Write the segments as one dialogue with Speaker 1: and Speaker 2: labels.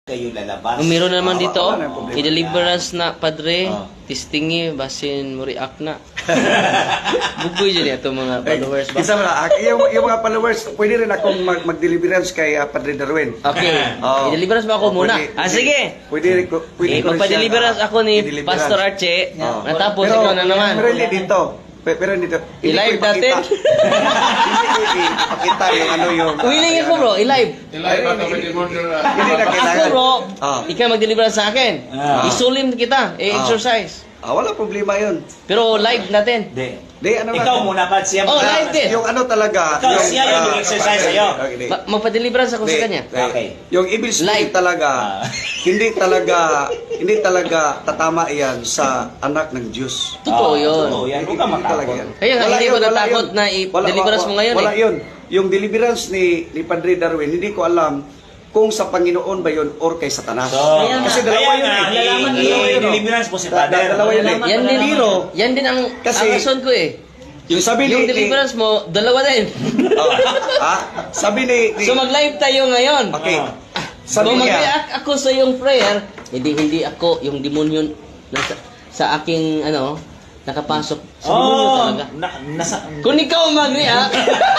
Speaker 1: kayo lalabas.
Speaker 2: Meron na naman dito,
Speaker 3: wala na problema.
Speaker 2: i-deliverance na, Padre.
Speaker 1: Oh.
Speaker 2: Tistingi, basin mo react na. Bugoy dyan ito mga followers ba?
Speaker 3: Isa mo na, yung mga followers, pwede rin akong mag-deliverance kay Padre Darwin.
Speaker 2: Okay,
Speaker 3: Oo.
Speaker 2: i-deliverance ba ako muna?
Speaker 3: Pwede.
Speaker 2: Sige!
Speaker 3: Pwede rin ko.
Speaker 2: Magpa-deliverance ako ni
Speaker 3: i-deliverance.
Speaker 2: Pastor Archie.
Speaker 3: Oo.
Speaker 2: Natapos
Speaker 3: Pero-
Speaker 2: ikaw na naman.
Speaker 3: Pero hindi dito. Pero hindi dito. Hindi
Speaker 2: I-live
Speaker 3: ko ipakita.
Speaker 2: natin?
Speaker 3: Hindi ko ipakita yung ano yung...
Speaker 2: Willing ako bro, i-live.
Speaker 3: Hindi na
Speaker 2: Ako
Speaker 3: kailangan.
Speaker 2: bro,
Speaker 3: Ah.
Speaker 2: ikaw mag-deliverance sa akin.
Speaker 1: Ah.
Speaker 2: Isulim kita, i-exercise.
Speaker 3: Wala problema yun.
Speaker 2: Pero live natin.
Speaker 1: Hindi.
Speaker 3: Di, ano
Speaker 1: Ikaw muna pa siya.
Speaker 2: Oh, live din.
Speaker 3: Yung ano talaga.
Speaker 1: Ikaw, siya yung mag-exercise sa'yo.
Speaker 2: Magpa-deliverance ako sa kanya.
Speaker 1: Okay.
Speaker 3: Yung evil spirit
Speaker 2: Live.
Speaker 3: talaga, hindi talaga tatama iyan sa anak ng Diyos.
Speaker 2: Totoo yun.
Speaker 1: Totoo yan. Huwag ka
Speaker 3: Hindi talaga
Speaker 1: matakot.
Speaker 3: yan.
Speaker 2: Kaya nga,
Speaker 3: Wala
Speaker 2: hindi
Speaker 3: yun,
Speaker 2: ko
Speaker 3: wala
Speaker 2: natakot
Speaker 3: yun.
Speaker 2: na i-deliverance mo ngayon
Speaker 3: Wala
Speaker 2: eh.
Speaker 3: yun. Yung deliverance ni Padre Darwin, hindi ko alam kung sa Panginoon ba yun or kay Satanas.
Speaker 1: So,
Speaker 3: Kasi dalawa yun eh.
Speaker 1: Lalaman
Speaker 3: Dalawa yun, oh.
Speaker 1: deliverance po si Father.
Speaker 3: Dalawa yun eh.
Speaker 2: Yan din,
Speaker 3: Pero,
Speaker 2: yan din ang
Speaker 3: Kasi-
Speaker 2: rason ko eh.
Speaker 3: yung sabi
Speaker 2: Yung
Speaker 3: ni...
Speaker 2: deliverance mo, dalawa din.
Speaker 3: Sabi ni...
Speaker 2: So mag-live tayo ngayon.
Speaker 3: Okay.
Speaker 2: Kung
Speaker 3: Sabi niya...
Speaker 2: mag-react ako sa iyong prayer, hindi ako yung demonyo sa aking nakapasok sa demonyo talaga. Kung ikaw mag-react,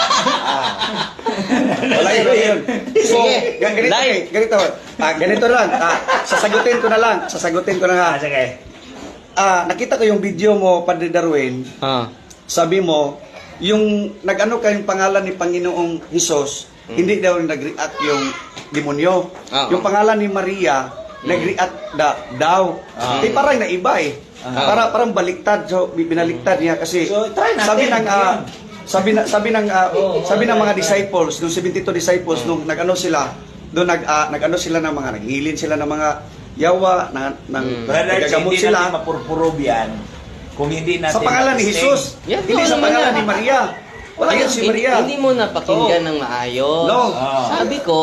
Speaker 3: Wala yun. So,
Speaker 2: Sige.
Speaker 3: ganito,
Speaker 2: Live.
Speaker 3: ganito lang. Sasagutin ko na lang.
Speaker 1: Sige.
Speaker 3: Nakita ko yung video mo, Padre Darwin. Sabi mo, yung nag-ano kayong pangalan ni Panginoong Hesus, hindi daw nag-react yung demonyo. Yung pangalan ni Maria, nag-react daw. Parang naiba eh. Parang baliktad. So, binaliktad niya kasi
Speaker 1: So, try natin.
Speaker 3: sabi ng mga disciples, nung 72 disciples, nung nag-ano sila, doon nag-ano sila ng mga, naghilin sila ng mga yawa,
Speaker 1: Brother,
Speaker 3: nagagamot
Speaker 1: hindi
Speaker 3: sila.
Speaker 1: natin mapurpurog yan kung hindi natin
Speaker 3: Sa pangalan ni
Speaker 1: matisting.
Speaker 3: Jesus,
Speaker 2: Yan,
Speaker 3: hindi
Speaker 2: oo
Speaker 3: sa
Speaker 2: naman
Speaker 3: pangalan
Speaker 2: yan.
Speaker 3: ni Maria. Wala yan si Maria.
Speaker 2: Hindi mo napakinggan ng maayos.
Speaker 3: No.
Speaker 2: Sabi ko,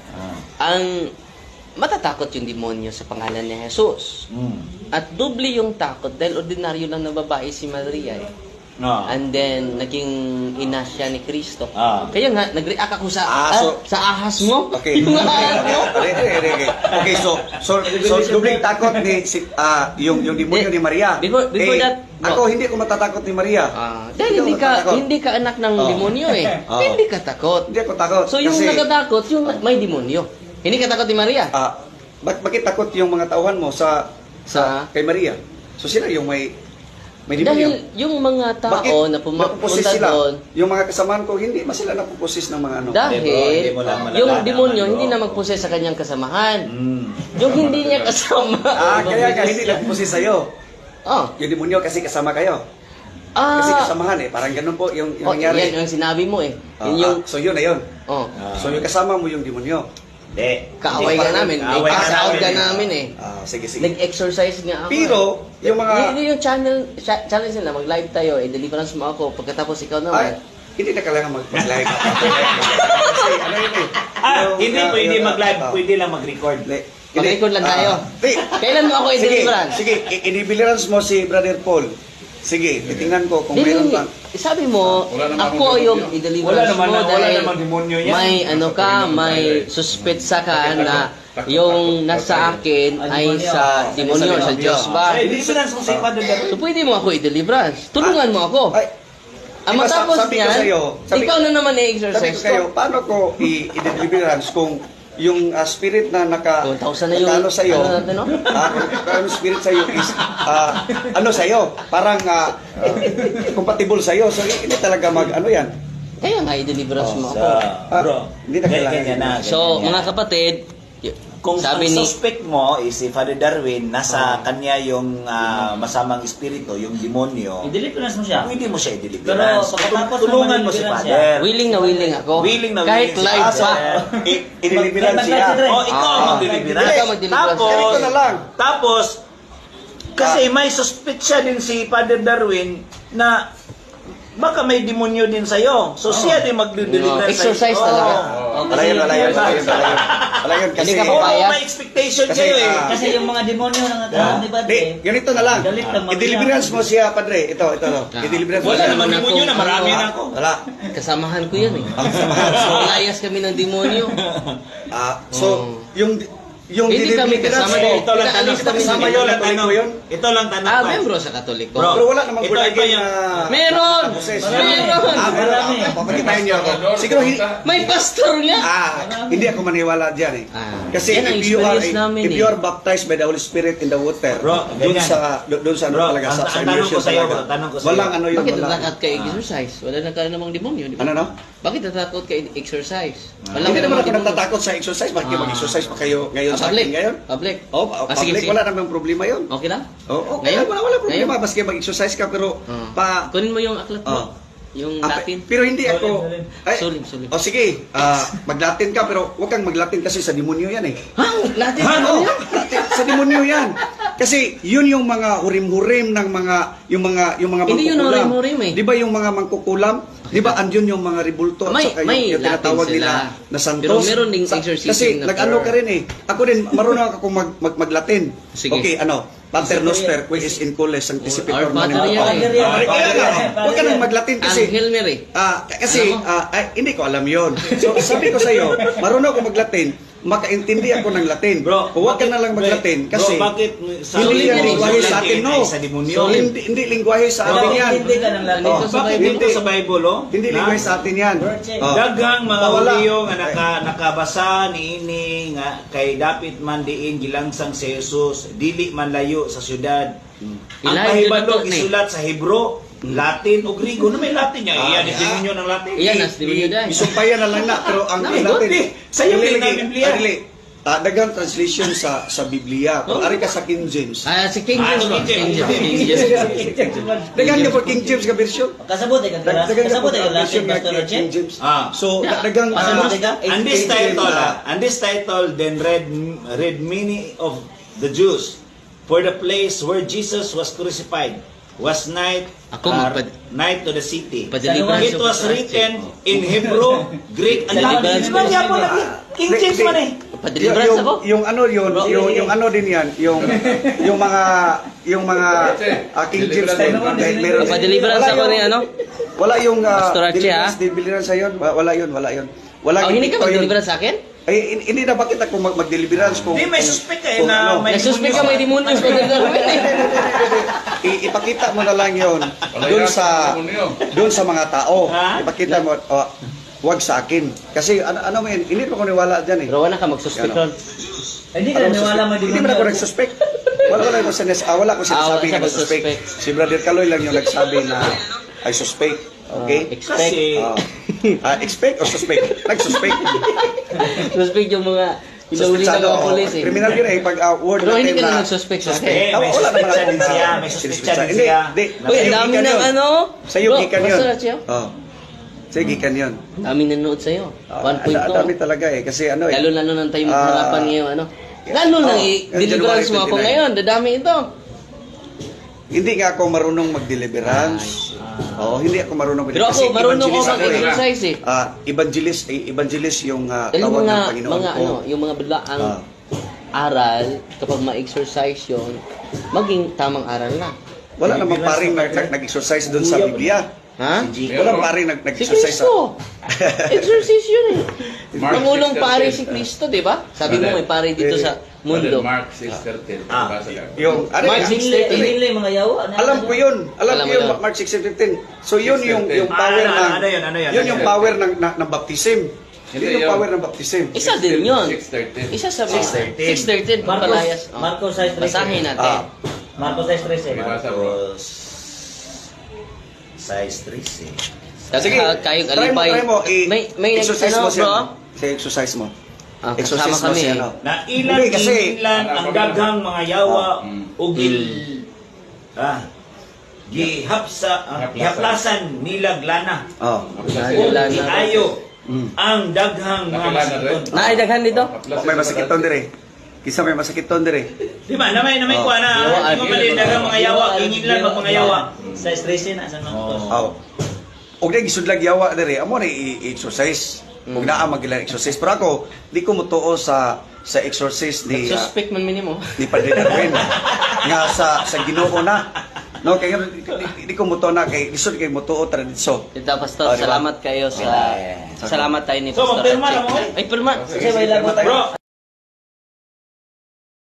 Speaker 2: ang matatakot yung demonyo sa pangalan ni Jesus. At doble yung takot dahil ordinaryo lang na babae si Maria eh. And then, naging ina siya ni Kristo. Kaya nga, nag-react ako sa ahas mo.
Speaker 3: Okay.
Speaker 2: Yung ahas mo.
Speaker 3: Okay, so dubling takot ni yung demonyo ni Maria.
Speaker 2: Before that,
Speaker 3: ako hindi ko matatakot ni Maria.
Speaker 2: Dahil
Speaker 3: Hindi ako matatakot.
Speaker 2: hindi ka anak ng demonyo eh. Hindi ka takot.
Speaker 3: Hindi ako takot.
Speaker 2: So yung
Speaker 3: Kasi,
Speaker 2: nagatakot, yung may demonyo. Hindi ka takot ni Maria.
Speaker 3: bakit takot yung mga tauhan mo sa kay Maria? So sila yung may demonyo.
Speaker 2: Dahil yung mga tao na
Speaker 3: napupusis
Speaker 2: pumunta
Speaker 3: sila?
Speaker 2: doon,
Speaker 3: Yung mga kasamahan ko, hindi ba sila napupusis ng mga ano?
Speaker 2: dahil
Speaker 1: Hindi mo lang malalaman
Speaker 2: yung
Speaker 1: ang
Speaker 2: demonyo
Speaker 1: ano.
Speaker 2: hindi na magpuses sa kanyang kasamahan. Yung hindi niya kasama.
Speaker 3: Kaya hindi napupusis sa'yo.
Speaker 2: Oh.
Speaker 3: Yung demonyo kasi kasama kayo. Kasi kasamahan eh. Parang ganun po yung nangyari.
Speaker 2: Yan yung sinabi mo eh. Yun yung,
Speaker 3: So yun na yun.
Speaker 2: oh,
Speaker 3: So yung kasama mo yung demonyo.
Speaker 1: Hindi.
Speaker 2: kaaway ka namin.
Speaker 1: Kaaway ka
Speaker 2: Kaaway ka
Speaker 1: namin.
Speaker 2: namin eh.
Speaker 3: Sige.
Speaker 2: Nag-exercise nga ako.
Speaker 3: Pero, yung mga...
Speaker 2: Yun yung challenge nila, mag-live tayo, deliverance mo ako, pagkatapos ikaw naman.
Speaker 3: Hindi na kailangan mag-live. Kasi ano yun eh.
Speaker 1: Hindi pwede mag-live, pwede lang mag-record.
Speaker 2: Mag-record lang tayo. Kailan mo ako i-deliverance?
Speaker 3: Sige, i-deliverance mo si Brother Paul. Sige, titingnan ko kung mayroon pang...
Speaker 2: Sabi mo, ako yung i-deliverance mo dahil
Speaker 1: demonyo yan.
Speaker 2: may may suspetsa ka na yung nasa akin ay sa demonyo, sa Diyos ba?
Speaker 1: Deliverance mo si Father Darwin.
Speaker 2: So pwede mo ako i-deliverance. Tulungan mo ako.
Speaker 3: Ay,
Speaker 2: Ang
Speaker 3: diba,
Speaker 2: matapos
Speaker 3: sabi ko
Speaker 2: niyan,
Speaker 3: sa'yo,
Speaker 2: ikaw na naman
Speaker 3: Sabi
Speaker 2: i-exercise
Speaker 3: ko kayo,
Speaker 2: ko.
Speaker 3: paano ko i-deliverance kung yung spirit na
Speaker 2: 2,000 na yung
Speaker 3: ano sa'yo,
Speaker 2: ano natin, no?
Speaker 3: yung spirit sa'yo is, ano sa'yo, parang compatible sa'yo. So, hindi talaga ano yan.
Speaker 2: Kaya nga i-deliverance mo ako.
Speaker 1: Bro,
Speaker 3: Hindi na kailangan
Speaker 1: ganyan na.
Speaker 2: So,
Speaker 1: ganyan
Speaker 2: mga
Speaker 1: yan.
Speaker 2: kapatid,
Speaker 1: Kung
Speaker 2: sabi
Speaker 1: ang
Speaker 2: ni
Speaker 1: suspect mo is si Father Darwin, nasa kanya yung masamang espiritu, yung demonyo,
Speaker 4: I-deliverance mo siya.
Speaker 1: pwede mo siya i-deliverance.
Speaker 4: Pero pagkatapos
Speaker 1: Tulungan
Speaker 4: mo
Speaker 1: mo si
Speaker 4: ma-deliverance
Speaker 1: Father.
Speaker 2: willing na willing ako.
Speaker 1: Willing na
Speaker 2: Kahit
Speaker 1: willing
Speaker 2: live
Speaker 1: siya.
Speaker 2: pa.
Speaker 3: I-deliverance siya.
Speaker 1: Oh, ikaw ang mag-deliverance.
Speaker 2: Ikaw mag-deliverance.
Speaker 3: Ganito na lang.
Speaker 1: Tapos, kasi may suspect siya din si Father Darwin na baka may demonyo din sa'yo. So siya din mag-deliver
Speaker 2: Exercise talaga.
Speaker 3: Wala yun. Wala yun. Kasi,
Speaker 2: Hindi ka papayag.
Speaker 1: may expectation
Speaker 3: Kasi,
Speaker 1: kayo eh.
Speaker 4: Kasi yung mga demonyo ng atrahan, di ba?
Speaker 3: ganito na lang.
Speaker 4: Galit lang,
Speaker 3: I-deliverance mo siya, Padre. Ito. I-deliverance mo
Speaker 1: Wala
Speaker 3: siya.
Speaker 1: naman demonyo na, marami na ako.
Speaker 3: Wala.
Speaker 2: Kasamahan ko yan eh. So, layas kami ng demonyo.
Speaker 3: So, yung yung
Speaker 2: Hindi kami
Speaker 3: deliverance
Speaker 2: kasama
Speaker 3: mo.
Speaker 2: din.
Speaker 1: Ito lang tanong.
Speaker 2: Pinaalis kami
Speaker 3: Kasama
Speaker 1: Ito
Speaker 3: yun,
Speaker 1: lang
Speaker 3: Katoliko
Speaker 1: tanong.
Speaker 3: yun?
Speaker 1: Ito lang tanong.
Speaker 2: Ah,
Speaker 1: Pats.
Speaker 2: membro sa Katoliko.
Speaker 1: Bro,
Speaker 3: Pero wala namang
Speaker 1: ito
Speaker 3: bulagin
Speaker 1: yung-
Speaker 3: na...
Speaker 2: Meron!
Speaker 3: Proses.
Speaker 2: Meron!
Speaker 4: Marami.
Speaker 3: Papakitahin niyo ako. Siguro,
Speaker 2: May pastor nga!
Speaker 3: hindi ako maniwala dyan eh. Kasi
Speaker 2: Yan ang
Speaker 3: if you are
Speaker 2: experience namin
Speaker 3: if
Speaker 2: eh.
Speaker 3: you are baptized by the Holy Spirit in the water,
Speaker 1: Bro,
Speaker 3: doon
Speaker 1: ganyan.
Speaker 3: sa ano
Speaker 1: Bro,
Speaker 3: talaga sa
Speaker 1: ang tanong ko
Speaker 3: immersion
Speaker 1: sa'yo,
Speaker 3: talaga.
Speaker 1: bro, tanong ko sa'yo.
Speaker 3: Walang ano yun,
Speaker 2: Bakit
Speaker 3: wala.
Speaker 2: natatakot ka exercise? Wala na ka namang demonyo, di ba?
Speaker 3: Ano no?
Speaker 2: Bakit natatakot ka exercise? Wala
Speaker 3: Hindi
Speaker 2: ka
Speaker 3: naman
Speaker 2: namang
Speaker 3: ako
Speaker 2: demonyo.
Speaker 3: nagtatakot sa exercise. Bakit
Speaker 2: Ah.
Speaker 3: mag-exercise pa kayo ngayon sa
Speaker 2: Public.
Speaker 3: akin ngayon?
Speaker 2: Public.
Speaker 3: Oh,
Speaker 2: Sige,
Speaker 3: public,
Speaker 2: sige.
Speaker 3: wala namang problema yun.
Speaker 2: Okay lang?
Speaker 3: Oh,
Speaker 2: Ngayon?
Speaker 3: wala problema.
Speaker 2: Ngayon?
Speaker 3: Baski mag-exercise ka, pero
Speaker 2: Kunin mo yung aklat mo.
Speaker 3: Oh.
Speaker 2: Yung
Speaker 3: Ah,
Speaker 2: Latin.
Speaker 3: pero hindi ako...
Speaker 2: Sulim, sulim.
Speaker 3: Oh, sige. Mag-Latin ka, pero huwag kang mag-Latin kasi sa demonyo yan eh.
Speaker 2: Ha? Latin?
Speaker 3: Oo, sa demonyo yan. Kasi yun yung mga hurim-hurim ng mga yung mga
Speaker 2: Hindi yun
Speaker 3: mangkukulam.
Speaker 2: hurim-hurim eh.
Speaker 3: Di ba yung mga mangkukulam? Di ba andun yung mga rebulto at
Speaker 2: May-
Speaker 3: saka
Speaker 2: may
Speaker 3: yung tinatawag
Speaker 2: Latin
Speaker 3: nila
Speaker 2: sila.
Speaker 3: na santos.
Speaker 2: Pero meron ding exorcism
Speaker 3: Kasi
Speaker 2: na
Speaker 3: nag-ano ka rin eh. Ako din, marunong ako mag-Latin.
Speaker 2: Sige.
Speaker 3: Okay, ano? Pater Noster, qui is in cole, sanctificator
Speaker 2: Our Father
Speaker 3: manim.
Speaker 2: yan
Speaker 4: eh.
Speaker 3: Kaya nga, huwag ka nang mag-Latin kasi
Speaker 2: Angel Mary.
Speaker 3: kasi hindi ko alam yon. So sabi ko sa iyo, marunong ako mag-Latin, makaintindi ako ng Latin.
Speaker 1: Bro,
Speaker 3: huwag ka na lang mag-Latin kasi
Speaker 1: bro, bakit
Speaker 3: hindi yan
Speaker 2: Sorry,
Speaker 3: lingwahe sa atin, no.
Speaker 1: Sa demonyo.
Speaker 3: Hindi lingwahe sa
Speaker 1: Bro,
Speaker 3: atin yan.
Speaker 4: Hindi ka ng Latin.
Speaker 2: Nandito sa
Speaker 1: Bakit
Speaker 2: Bible.
Speaker 1: dito sa Bible, oh?
Speaker 3: Hindi
Speaker 1: Na-
Speaker 3: lingwahe sa atin yan. Oh.
Speaker 1: Daghang mga
Speaker 3: Bawala.
Speaker 1: uliyo nga nakabasa niini nga kay dapit man diin gilangsang si Jesus dili man layo sa syudad. Ang
Speaker 2: Ilayo
Speaker 1: pahibalo
Speaker 2: na to, ni.
Speaker 1: isulat sa Hebro, Latin o Grigo na may Latin niya. Iyan
Speaker 3: yeah.
Speaker 1: demonyo ng Latin.
Speaker 2: Iyan, nas demonyo dahil.
Speaker 3: Isumpayan na lang na, pero ang
Speaker 2: Namin,
Speaker 3: Latin,
Speaker 1: hindi. Sa'yo
Speaker 3: dili
Speaker 1: din ang
Speaker 3: lagi-
Speaker 1: Biblia.
Speaker 3: dili. Daghang translation sa Biblia. Kung ari ka sa King James.
Speaker 2: Si King James.
Speaker 1: Ah,
Speaker 2: ba?
Speaker 1: King
Speaker 2: King
Speaker 1: James.
Speaker 2: James. King James.
Speaker 3: Daghang ka po King James ka version.
Speaker 4: Kasabot eh,
Speaker 3: Daghang ka
Speaker 4: kasabot
Speaker 3: po
Speaker 4: eh,
Speaker 3: version
Speaker 4: Latin,
Speaker 3: na
Speaker 4: Pastor
Speaker 3: King
Speaker 4: Roche.
Speaker 3: James.
Speaker 1: Ah.
Speaker 3: So,
Speaker 2: Yeah.
Speaker 3: daghang
Speaker 4: Pasabot ka?
Speaker 1: And this title, and this title then read many of the Jews, for the place where Jesus was crucified was
Speaker 2: Ako
Speaker 1: night to the city.
Speaker 2: Padeliverance
Speaker 1: It
Speaker 2: of
Speaker 1: was
Speaker 2: the
Speaker 1: written in Hebrew, Greek, and Latin.
Speaker 2: Deliverance.
Speaker 1: Di ba niya po lagi? King James man eh.
Speaker 2: Padeliverance ako.
Speaker 3: Yung ano yun, yung ano din yan, yung mga King James din. Meron.
Speaker 2: Padeliverance
Speaker 3: Wala
Speaker 2: ako
Speaker 3: yung-
Speaker 2: ni ano?
Speaker 3: Wala yung
Speaker 2: Pastor Archie,
Speaker 3: deliverance yun. Wala yun. Wala
Speaker 2: Hindi ka
Speaker 3: ito yun.
Speaker 2: mag-deliverance sa akin?
Speaker 3: Ay, hindi na bakit ako mag-deliverance kung...
Speaker 1: Di, may
Speaker 3: kung-
Speaker 1: suspect eh
Speaker 3: kung
Speaker 1: na
Speaker 3: ano.
Speaker 1: may
Speaker 2: Nagsuspect ka may demonyo.
Speaker 3: Ipakita mo na lang yun doon sa mga tao.
Speaker 1: Ha?
Speaker 3: Ipakita mo, wag sa akin. Kasi ano man, hindi pa ko niwala dyan eh.
Speaker 2: Pero wala ka magsuspect ron.
Speaker 4: Hindi ka naniwala mo
Speaker 3: Hindi man ako nagsuspect. Wala ko sinasabi
Speaker 2: wala
Speaker 3: nga
Speaker 2: ka
Speaker 3: nagsuspect.
Speaker 2: magsuspect.
Speaker 3: Si Brother Kaloy lang yung nagsabi na I suspect. Okay?
Speaker 2: Expect.
Speaker 1: Kasi,
Speaker 3: Expect or suspect? Nagsuspect.
Speaker 2: Suspect yung mga ilawli ng mga polis eh.
Speaker 3: Criminal yun eh. Pag word
Speaker 2: Pero hindi
Speaker 3: natin
Speaker 2: ka
Speaker 3: na...
Speaker 2: na nagsuspect sa
Speaker 1: eh,
Speaker 2: akin.
Speaker 1: may
Speaker 3: Wala naman
Speaker 1: suspect
Speaker 3: akong
Speaker 1: din siya. May suspect din
Speaker 3: Hindi,
Speaker 1: siya.
Speaker 3: hindi.
Speaker 2: Uy, ang
Speaker 3: Sa'yo
Speaker 2: dami
Speaker 3: gikan
Speaker 2: ng
Speaker 3: yun.
Speaker 2: ano.
Speaker 3: Sa'yo
Speaker 2: Bro,
Speaker 3: gikan yun.
Speaker 2: Pastor Archie,
Speaker 3: Oh. Sa'yo gikan yun.
Speaker 2: dami nanood sa'yo. 1.2.
Speaker 3: Dami talaga eh. Kasi ano eh.
Speaker 2: Lalo ng tayo
Speaker 3: Ah.
Speaker 2: harapan ngayon, ano. Lalo na deliverance mo ako
Speaker 3: January 29.
Speaker 2: ngayon. Dadami ito.
Speaker 3: Hindi nga ako marunong mag-deliverance. Oo, hindi ako marunong
Speaker 2: Pero
Speaker 3: Kasi
Speaker 2: ako, marunong ako
Speaker 3: evangelist ako eh.
Speaker 2: mag-exercise eh.
Speaker 3: Evangelist yung
Speaker 2: Dahil
Speaker 3: tawag
Speaker 2: mga,
Speaker 3: ng Panginoon
Speaker 2: mga
Speaker 3: ko.
Speaker 2: ano, yung mga biglaang
Speaker 3: Ah.
Speaker 2: aral, kapag ma-exercise yun, maging tamang aral na.
Speaker 3: Wala namang paring nag-exercise doon sa Biblia.
Speaker 2: Ha?
Speaker 3: Wala paring
Speaker 2: Si
Speaker 3: nag-exercise sa...
Speaker 2: Kristo. Exercise yun eh.
Speaker 5: Mark
Speaker 2: Pangulong
Speaker 5: 6:13.
Speaker 2: pare si Kristo, di ba? Sabi mo may pare dito sa mundo.
Speaker 5: Mark 6:13.
Speaker 1: Ah.
Speaker 5: Basa ka.
Speaker 3: Yung, ano
Speaker 2: Mark
Speaker 3: yan?
Speaker 2: 6:13.
Speaker 4: Hindi yung mga yawa.
Speaker 3: Alam ko yun. Alam
Speaker 2: Alam
Speaker 3: ko
Speaker 2: mo
Speaker 3: yun,
Speaker 2: yun.
Speaker 3: Mark 6:15. So yun yung power
Speaker 1: Ano,
Speaker 3: ng...
Speaker 1: ano yun, ano yun?
Speaker 3: Yun yung power ng baptism.
Speaker 5: Hindi
Speaker 3: Yun yung
Speaker 5: yun.
Speaker 3: power ng baptism.
Speaker 2: Isa din yun.
Speaker 5: 6:13.
Speaker 2: Isa sa 6:13.
Speaker 1: 6:13.
Speaker 2: Papalayas.
Speaker 4: Marcos 6:13.
Speaker 2: Basahin natin.
Speaker 4: Marcos 6:13.
Speaker 5: Basa bro.
Speaker 1: Size 3 eh.
Speaker 3: Sige,
Speaker 2: Kayong
Speaker 3: try
Speaker 2: alipay.
Speaker 3: mo.
Speaker 2: May
Speaker 3: exercise
Speaker 2: ano,
Speaker 3: mo siya.
Speaker 2: bro?
Speaker 3: Exercise mo.
Speaker 2: Ah,
Speaker 3: Exercise
Speaker 2: kasama
Speaker 3: mo
Speaker 2: kami
Speaker 3: siya,
Speaker 2: eh.
Speaker 3: no?
Speaker 1: Na ilan
Speaker 3: Hindi, kasi-
Speaker 1: ilan ang daghang mga yawa ugil
Speaker 5: Gihaplasan.
Speaker 1: gihaplasan nilag lana
Speaker 3: Oh.
Speaker 1: ug
Speaker 2: Lana.
Speaker 1: giayo ang daghang mga
Speaker 5: Nakilala rin.
Speaker 1: masiton.
Speaker 2: Naidaghan dito?
Speaker 3: May masakiton dire. Kisa may masakiton dire.
Speaker 1: Di ba? Na may
Speaker 3: Oh.
Speaker 1: kuha na.
Speaker 2: Yawa,
Speaker 1: Di ba mali daghang mga yawa, ingilan mag mga yawa.
Speaker 4: 6:13 na sa Marcos.
Speaker 3: Oh. Og na gisudlag yawa dire. Amo na i-exercise. Og naa magilang exercise. Pero ako, di ko mutuo sa exercise ni
Speaker 2: Suspect man minimo.
Speaker 3: ni Padre Darwin. Nga sa Ginoo na. No, kaya di ko mutuo na kay lisod kay mutuo tradisyon.
Speaker 2: Ito, Pastor,
Speaker 3: Oh, diba?
Speaker 2: salamat kayo sa... Salamat tayo ni
Speaker 1: So,
Speaker 2: Pastor
Speaker 1: magpirma
Speaker 2: Archie.
Speaker 1: na mo, eh.
Speaker 2: Ay, pirma.
Speaker 4: Kasi may lagot tayo.
Speaker 1: Bro,